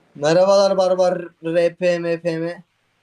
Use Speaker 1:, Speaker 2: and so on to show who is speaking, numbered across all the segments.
Speaker 1: Merhabalar Barbar RP MPM.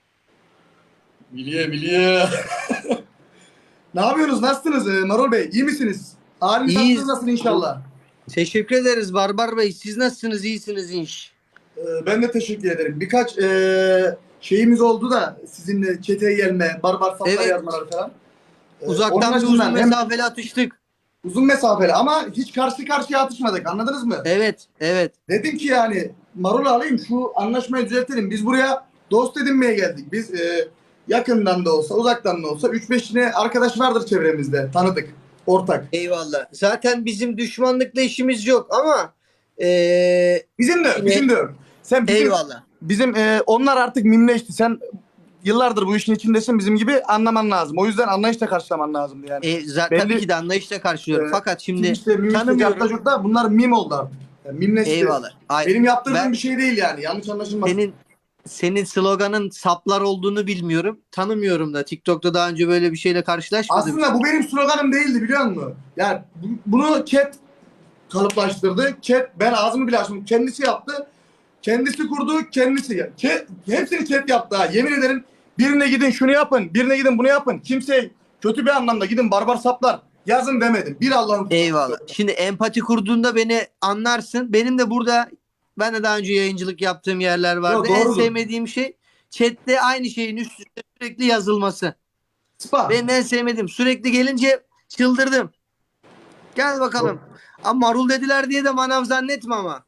Speaker 2: Biliyor. Ne yapıyorsunuz? Nasılsınız Marul Bey? İyi misiniz? Haliniz tatlınız
Speaker 1: İyiyiz.
Speaker 2: nasıl inşallah?
Speaker 1: Teşekkür ederiz Barbar Bey. Siz nasılsınız? İyisiniz inş.
Speaker 2: Ben de teşekkür ederim. Birkaç şeyimiz oldu da sizinle çeteye gelme, barbar saflar
Speaker 1: Evet.
Speaker 2: yazmaları falan. Onun
Speaker 1: Uzaktan bir uzun
Speaker 2: açısından hem
Speaker 1: mesafeli atıştık.
Speaker 2: uzun mesafeli ama hiç karşı karşıya atışmadık. Anladınız mı?
Speaker 1: Evet. Evet.
Speaker 2: Dedim ki yani Marul'u alayım şu anlaşmayı düzeltelim. Biz buraya dost edinmeye geldik. Biz yakından da olsa uzaktan da olsa 3-5 tane arkadaş vardır çevremizde. Tanıdık. Ortak.
Speaker 1: Eyvallah. Zaten bizim düşmanlıkla işimiz yok ama
Speaker 2: Bizim de,
Speaker 1: yine
Speaker 2: bizim de. Sen
Speaker 1: eyvallah.
Speaker 2: bizim onlar artık mimleşti. Sen yıllardır bu işin içindesin bizim gibi anlaman lazım. O yüzden anlayışla karşılaman lazımdı yani.
Speaker 1: Tabii
Speaker 2: Belli
Speaker 1: ki de anlayışla karşılıyorum. Fakat şimdi
Speaker 2: Twitch'te, Mimleş'te,
Speaker 1: tanımıyorum.
Speaker 2: Cartacuk'ta bunlar mim oldu artık. Yani mimleşti.
Speaker 1: Eyvallah.
Speaker 2: Benim yaptırdığım
Speaker 1: Ben
Speaker 2: bir şey değil yani. Yanlış anlaşılmasın.
Speaker 1: senin sloganın saplar olduğunu bilmiyorum. Tanımıyorum da. TikTok'ta daha önce böyle bir şeyle karşılaşmadım.
Speaker 2: Aslında bu benim sloganım değildi biliyor musun? Yani bunu chat kalıplaştırdı. Chat ben ağzımı bile açmadım. Kendisi yaptı. Kendisi kurdu, kendisi. Hepsini chat yaptı ha. Yemin ederim birine gidin şunu yapın, birine gidin bunu yapın. Kimseye kötü bir anlamda gidin barbar saplar yazın demedim. Bir Allah'ın
Speaker 1: Eyvallah. Şimdi empati kurduğunda beni anlarsın. Benim de burada ben de daha önce yayıncılık yaptığım yerler vardı.
Speaker 2: Yo,
Speaker 1: En
Speaker 2: doğrudur.
Speaker 1: sevmediğim şey chatte aynı şeyin üst üste sürekli yazılması.
Speaker 2: Spa.
Speaker 1: Benim en sevmediğim. Sürekli gelince çıldırdım. Gel bakalım. Ama marul dediler diye de manav zannetme ama.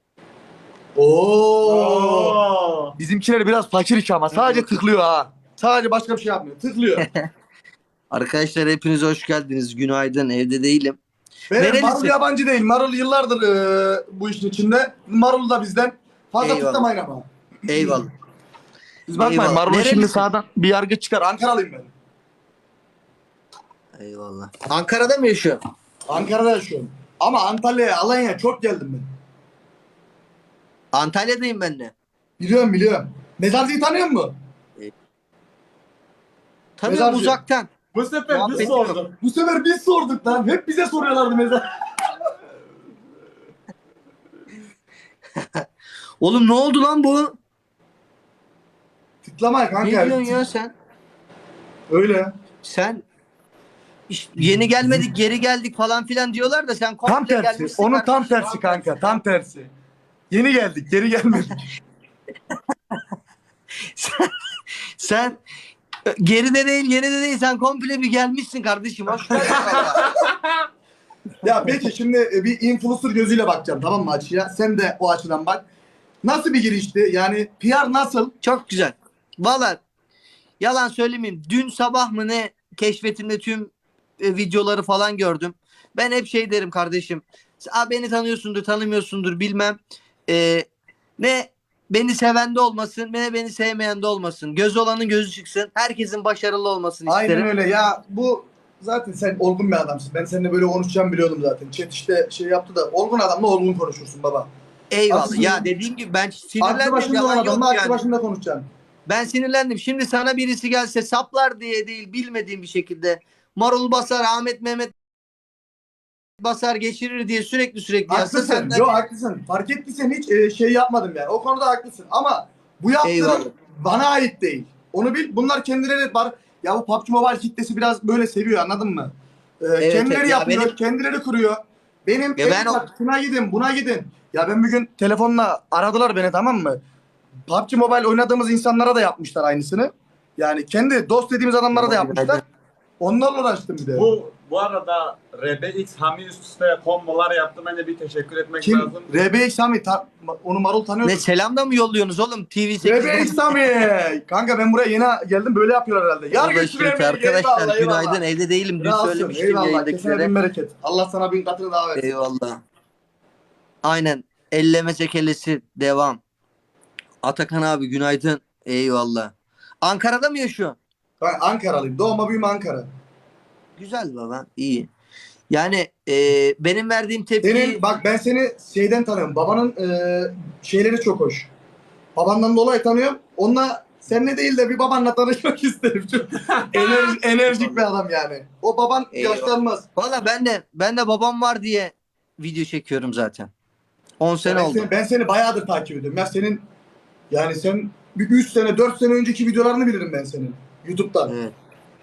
Speaker 2: Oo. Bizimkiler biraz fakir iş ama sadece tıklıyor ha. Sadece başka bir şey yapmıyor. Tıklıyor.
Speaker 1: Arkadaşlar hepiniz hoş geldiniz. Günaydın. Evde değilim.
Speaker 2: Benim
Speaker 1: Nerelisin?
Speaker 2: Marul yabancı değil. Marul yıllardır bu işin içinde. Marul da bizden. Fazla
Speaker 1: Eyvallah.
Speaker 2: tıklamayın ama.
Speaker 1: Eyvallah.
Speaker 2: Siz bakmayın
Speaker 1: Eyvallah.
Speaker 2: Marul'a şimdi
Speaker 1: Nerelisin?
Speaker 2: sağdan bir yargı çıkar. Ankaralıyım ben.
Speaker 1: Eyvallah. Ankara'da mı yaşıyor?
Speaker 2: Ankara'da yaşıyorum. Ama Antalya'ya, Alanya'ya çok geldim ben.
Speaker 1: Antalya'dayım ben de.
Speaker 2: Biliyorum. Mezarcıyı tanıyor musun?
Speaker 1: Tanıyorum
Speaker 2: Mezarcı.
Speaker 1: uzaktan.
Speaker 2: Bu sefer
Speaker 1: Muhabbet
Speaker 2: biz
Speaker 1: yok.
Speaker 2: sorduk. Bu sefer biz sorduk lan. Hep bize soruyorlardı mezar.
Speaker 1: Oğlum ne oldu lan bu?
Speaker 2: Tıklamayın kanka.
Speaker 1: Ne diyorsun ya sen?
Speaker 2: Öyle.
Speaker 1: Sen yeni gelmedik geri geldik falan filan diyorlar da sen komple
Speaker 2: Tam tersi.
Speaker 1: gelmişsin.
Speaker 2: Onun tam
Speaker 1: kardeşim.
Speaker 2: tersi kanka. Tam tersi. Yeni geldik. Geri gelmedik.
Speaker 1: Sen geride değil yenide değil sen komple bir gelmişsin kardeşim. Hoş geldin valla.
Speaker 2: Ya peki şimdi bir influencer gözüyle bakacağım tamam mı açıya? Sen de o açıdan bak. Nasıl bir girişti? Yani PR nasıl?
Speaker 1: Çok güzel. Valla yalan söylemeyeyim. Dün sabah mı ne keşfetimde tüm videoları falan gördüm. Ben hep şey derim kardeşim. Beni tanıyorsundur tanımıyorsundur bilmem. Ne beni seven de olmasın ne beni sevmeyen de olmasın. Gözü olanın gözü çıksın. Herkesin başarılı olmasını isterim.
Speaker 2: Aynen öyle. Ya bu zaten sen olgun bir adamsın. Ben seninle böyle konuşacağımı biliyordum zaten. Chat işte şey yaptı da olgun adamla olgun konuşursun baba.
Speaker 1: Eyvallah.
Speaker 2: Aslında-
Speaker 1: Ya dediğim gibi ben
Speaker 2: Aklı
Speaker 1: sinirlendim.
Speaker 2: başında olan
Speaker 1: Yalan yok
Speaker 2: adamla aklı
Speaker 1: yani.
Speaker 2: başında konuşacaksın.
Speaker 1: Ben sinirlendim. Şimdi sana birisi gelse saplar diye değil bilmediğim bir şekilde Marul Basar, Ahmet Mehmet Basar geçirir diye sürekli yazsa
Speaker 2: Haklısın.
Speaker 1: senden
Speaker 2: Yo haklısın. Fark ettiysen hiç şey yapmadım yani. O konuda haklısın. Ama bu
Speaker 1: Eyvallah.
Speaker 2: yaptığın bana ait değil. Onu bil. Bunlar kendileri var. Ya bu PUBG Mobile kitlesi biraz böyle seviyor anladın mı? Kendileri
Speaker 1: evet. Ya
Speaker 2: yapıyor. Kendileri kuruyor. Benim
Speaker 1: Ya ben
Speaker 2: bak, şuna gidin buna gidin. Ya ben bugün telefonla aradılar beni tamam mı? PUBG Mobile oynadığımız insanlara da yapmışlar aynısını. Yani kendi dost dediğimiz adamlara da yapmışlar. Onlarla uğraştım bir de.
Speaker 3: Bu arada RBX Hami üst üste kombolar yaptı. Ben de bir teşekkür etmek
Speaker 2: Kim?
Speaker 3: lazım.
Speaker 2: RBX Sami. Onu Marul tanıyor
Speaker 1: Ne
Speaker 2: musun?
Speaker 1: selam da mı yolluyorsunuz oğlum TV8'de?
Speaker 2: RBX Sami. Kanka ben buraya yeni geldim böyle yapıyorlar herhalde. Yar götür
Speaker 1: Arkadaşlar günaydın evde değilim dün söylemiştim
Speaker 2: Eyvallah. Kesene bin
Speaker 1: yayındakilere.
Speaker 2: bereket. Allah sana bin katını daha versin.
Speaker 1: Eyvallah. Aynen elleme çekelesi devam. Atakan abi günaydın. Eyvallah. Ankara'da mı yaşıyor?
Speaker 2: Ben Ankaralıyım. Doğma büyüme Ankara.
Speaker 1: Güzel baba iyi. Yani benim verdiğim tepki
Speaker 2: Senin bak ben seni şeyden tanıyorum. Babanın şeyleri çok hoş. Babandan dolayı tanıyorum. Onunla seninle değil de bir babanla tanışmak isterim. Çok enerjik bir adam yani. O baban
Speaker 1: Eyvallah.
Speaker 2: yaşlanmaz.
Speaker 1: valla ben de babam var diye video çekiyorum zaten. 10 sene
Speaker 2: Ben
Speaker 1: oldu.
Speaker 2: ben seni bayağıdır takip ediyorum. Ya senin yani sen bir 3 sene 4 sene önceki videolarını bilirim ben senin. YouTube'dan.
Speaker 1: Evet.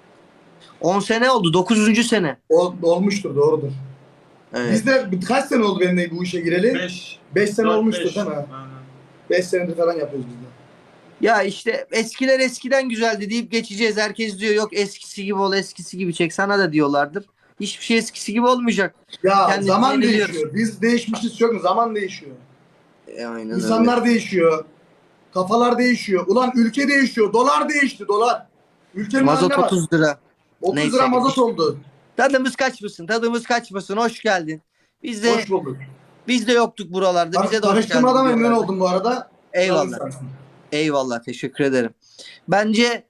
Speaker 1: 10 sene oldu. 9. sene.
Speaker 2: Olmuştur, doğrudur.
Speaker 1: Evet.
Speaker 2: Bizde kaç sene oldu benimle bu işe gireli?
Speaker 3: 5.
Speaker 2: 5 sene olmuştur değil mi?
Speaker 3: Aynen.
Speaker 2: 5 senedir falan yapıyoruz biz de.
Speaker 1: Ya işte eskiler eskiden güzeldi deyip geçeceğiz. Herkes diyor yok eskisi gibi ol, eskisi gibi çek. Sana da diyorlardır. Hiçbir şey eskisi gibi olmayacak.
Speaker 2: Ya
Speaker 1: Kendimizi
Speaker 2: zaman
Speaker 1: yeniliyoruz.
Speaker 2: değişiyor. Biz değişmişiz çok mu? Zaman değişiyor.
Speaker 1: Aynen
Speaker 2: İnsanlar değişiyor. Kafalar değişiyor. Ulan ülke değişiyor. Dolar değişti, dolar. Ülkenin
Speaker 1: Mazot
Speaker 2: haline bak.
Speaker 1: 30 lira.
Speaker 2: 30
Speaker 1: Neyse.
Speaker 2: lira mazot oldu.
Speaker 1: Tadımız kaçmasın. Tadımız kaçmasın. Hoş geldin.
Speaker 2: Hoş bulduk.
Speaker 1: Biz de yoktuk buralarda. Bize de hoş geldin.
Speaker 2: Tanıştırmadan memnun
Speaker 1: diyorlar.
Speaker 2: oldum bu arada.
Speaker 1: Eyvallah.
Speaker 2: Sağ olasın.
Speaker 1: Eyvallah. Teşekkür ederim. Bence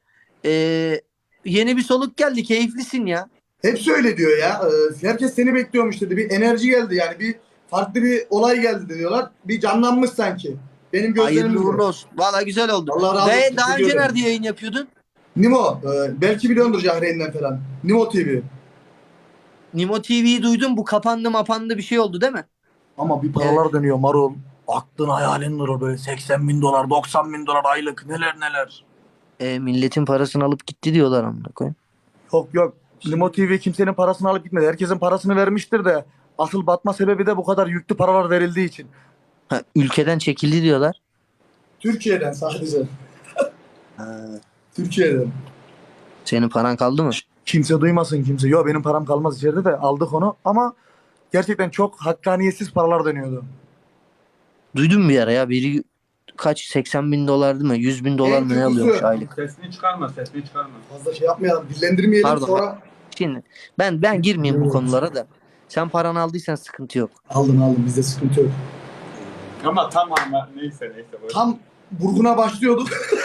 Speaker 1: yeni bir soluk geldi. Keyiflisin ya.
Speaker 2: Hepsi öyle diyor ya. Herkes seni bekliyormuş dedi. Bir enerji geldi yani. Bir farklı bir olay geldi diyorlar. Bir canlanmış sanki. Benim gözlerim
Speaker 1: Hayırlı uğurlu olsun. Valla güzel oldu.
Speaker 2: Allah razı olsun.
Speaker 1: Daha önce
Speaker 2: Teşekkür
Speaker 1: nerede yayın yapıyordun?
Speaker 2: Nimo. Belki biliyordur Cahreyn'den falan. Nimo TV.
Speaker 1: Nimo TV'yi duydum. Bu kapandı mapandı bir şey oldu değil mi?
Speaker 4: Ama bir paralar dönüyor marul. Aklın hayalin durur böyle 80 bin dolar, 90 bin dolar aylık neler neler.
Speaker 1: Milletin parasını alıp gitti diyorlar amına koyayım.
Speaker 4: Yok. Limo TV kimsenin parasını alıp gitmedi. Herkesin parasını vermiştir de asıl batma sebebi de bu kadar yüklü paralar verildiği için.
Speaker 1: Ha, ülkeden çekildi diyorlar.
Speaker 2: Türkiye'den sadece.
Speaker 1: Ha,
Speaker 2: Türkiye'den.
Speaker 1: senin paran kaldı mı?
Speaker 4: Kimse duymasın kimse. Yok benim param kalmaz içeride de aldık onu ama gerçekten çok hakkaniyetsiz paralar dönüyordu.
Speaker 1: Duydun mu bir ara ya? Biri kaç 80 bin dolar değil mi? 100 bin dolar
Speaker 2: En
Speaker 1: mı ne
Speaker 2: kötüsü-
Speaker 1: alıyormuş aylık?
Speaker 3: Sesini çıkarma, sesini çıkarma.
Speaker 2: Fazla şey yapmayalım. Dillendirmeyelim
Speaker 1: Pardon.
Speaker 2: sonra.
Speaker 1: Şimdi ben girmeyeyim bu
Speaker 2: Evet.
Speaker 1: konulara da. Sen paranı aldıysan sıkıntı yok.
Speaker 2: Aldım. Bizde sıkıntı yok.
Speaker 3: Ama neyse. Böyle.
Speaker 2: Tam vurguna başlıyorduk.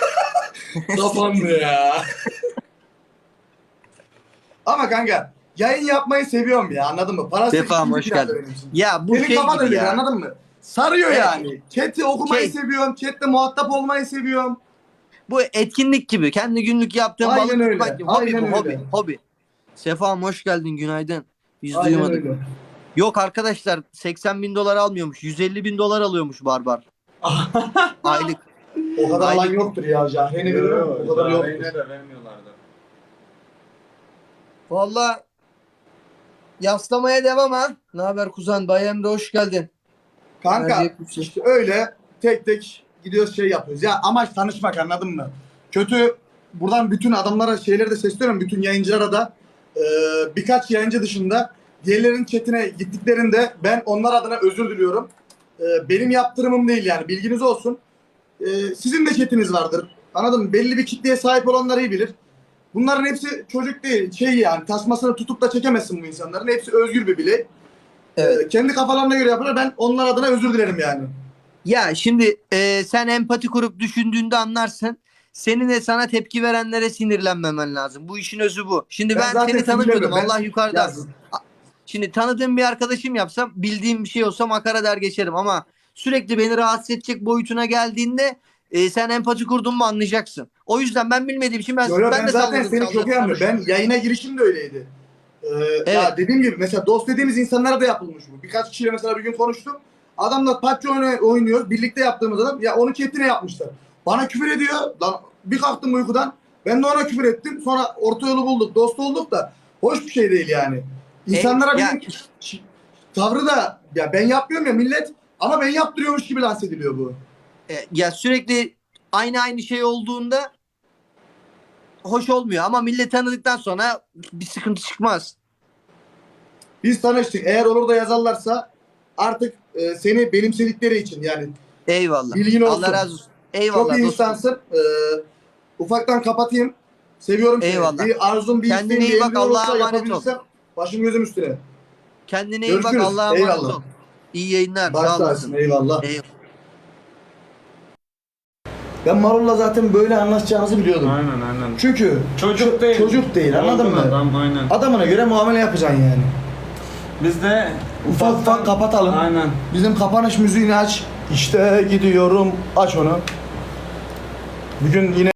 Speaker 2: Kapandı ya. Ama kanka yayın yapmayı seviyorum ya, anladın mı? Parası
Speaker 1: Sefam,
Speaker 2: ikinci
Speaker 1: hoş
Speaker 2: planda
Speaker 1: geldin.
Speaker 2: benim için.
Speaker 1: Ya bu
Speaker 2: Senin
Speaker 1: şey
Speaker 2: kafan
Speaker 1: gibi
Speaker 2: öyle
Speaker 1: ya.
Speaker 2: anladın mı? Sarıyor
Speaker 1: Evet.
Speaker 2: yani. Chat'i okumayı
Speaker 1: Şey-
Speaker 2: seviyorum. Chat'le muhatap olmayı seviyorum.
Speaker 1: Bu etkinlik gibi. Kendi günlük yaptığın
Speaker 2: Aynen
Speaker 1: balık
Speaker 2: öyle.
Speaker 1: tutmak gibi. Hobi
Speaker 2: Aynen
Speaker 1: bu
Speaker 2: öyle.
Speaker 1: hobi. Sefam hoş geldin günaydın. Biz
Speaker 2: Aynen
Speaker 1: duymadık.
Speaker 2: öyle.
Speaker 1: Yok arkadaşlar 80 bin dolar almıyormuş. 150 bin dolar alıyormuş Barbar. Aylık.
Speaker 2: O kadar
Speaker 1: Aynen.
Speaker 2: alan yoktur ya. Cahreyn'e veriyorum. O kadar yoktur.
Speaker 3: Cahreyn'e de vermiyorlardı.
Speaker 1: Vallahi yaslamaya devam ha. Ne haber kuzen? Bay Emre hoş geldin.
Speaker 2: Kanka
Speaker 1: Nerede yapıyorsun?
Speaker 2: işte öyle tek tek gidiyoruz şey yapıyoruz. Ya amaç tanışmak, anladın mı? Kötü, buradan bütün adamlara şeyleri de sesleniyorum. Bütün yayıncılara da birkaç yayıncı dışında diğerlerinin chatine gittiklerinde ben onlar adına özür diliyorum. Benim yaptırımım değil yani, bilginiz olsun. Sizin de chatiniz vardır. Anladın mı? Belli bir kitleye sahip olanlar iyi bilir. Bunların hepsi çocuk değil. Şey yani tasmasını tutup da çekemezsin bu insanların. Hepsi özgür bir birey.
Speaker 1: Evet.
Speaker 2: Kendi kafalarına göre yaparlar. Ben onlar adına özür dilerim yani.
Speaker 1: Ya şimdi sen empati kurup düşündüğünde anlarsın. Senin de sana tepki verenlere sinirlenmemen lazım. Bu işin özü bu. Şimdi
Speaker 2: Ben
Speaker 1: ben
Speaker 2: zaten
Speaker 1: seni tanımıyordum.
Speaker 2: sinirlenmiyorum.
Speaker 1: Allah yukarıda.
Speaker 2: Ya,
Speaker 1: Şimdi tanıdığım bir arkadaşım yapsam, bildiğim bir şey olsa makara der geçerim ama sürekli beni rahatsız edecek boyutuna geldiğinde sen empati kurdun mu anlayacaksın. O yüzden ben bilmediğim için ben
Speaker 2: ben
Speaker 1: de
Speaker 2: zaten
Speaker 1: salladım,
Speaker 2: seni çok iyi anlıyorum. Ben yayına girişim de öyleydi. Ya dediğim gibi mesela dost dediğimiz insanlara da yapılmış bu. Birkaç kişiyle mesela bir gün konuştum. Adamla PUBG oynuyoruz. Birlikte yaptığımız adam. Ya onu chatine yapmışlar. Bana küfür ediyor. Lan bir kalktım uykudan. Ben de ona küfür ettim. Sonra orta yolu bulduk. Dost olduk da hoş bir şey değil yani. İnsanlara
Speaker 1: ya-
Speaker 2: benim tavrı da ya ben yapmıyorum ya millet, ama ben yaptırıyormuş gibi lanse ediliyor bu.
Speaker 1: Ya sürekli aynı şey olduğunda hoş olmuyor ama millet tanıdıktan sonra bir sıkıntı çıkmaz.
Speaker 2: Biz tanıştık. Eğer olur da yazarlarsa artık seni benimsedikleri için yani
Speaker 1: Eyvallah.
Speaker 2: bilgin olsun.
Speaker 1: Allah razı olsun. Eyvallah
Speaker 2: çok iyi
Speaker 1: dostum.
Speaker 2: insansın. Ufaktan kapatayım. Seviyorum seni.
Speaker 1: Eyvallah.
Speaker 2: Bir arzum, bir
Speaker 1: Kendine
Speaker 2: isteğim,
Speaker 1: iyi
Speaker 2: bir
Speaker 1: bak,
Speaker 2: emrin
Speaker 1: Allah'a
Speaker 2: olursa
Speaker 1: emanet ol.
Speaker 2: yapabilirsem başım gözüm üstüne.
Speaker 1: Kendine iyi bak,
Speaker 2: Görüşürüz.
Speaker 1: Allah'a emanet
Speaker 2: Eyvallah.
Speaker 1: ol. İyi yayınlar.
Speaker 2: Baş
Speaker 1: Sağ
Speaker 2: tacısın.
Speaker 1: olasın.
Speaker 2: Eyvallah.
Speaker 1: Eyvallah.
Speaker 2: Ben Marul'la zaten böyle anlaşacağımızı biliyordum.
Speaker 3: Aynen.
Speaker 2: Çünkü
Speaker 3: Çocuk değil.
Speaker 2: Çocuk değil, anladın
Speaker 3: Olgun
Speaker 2: mı?
Speaker 3: Adam, aynen.
Speaker 2: Adamına göre muamele yapacaksın yani.
Speaker 3: Biz de
Speaker 2: Ufak kapatalım.
Speaker 3: Aynen.
Speaker 2: Bizim kapanış müziğini aç. İşte gidiyorum. Aç onu. Bugün yine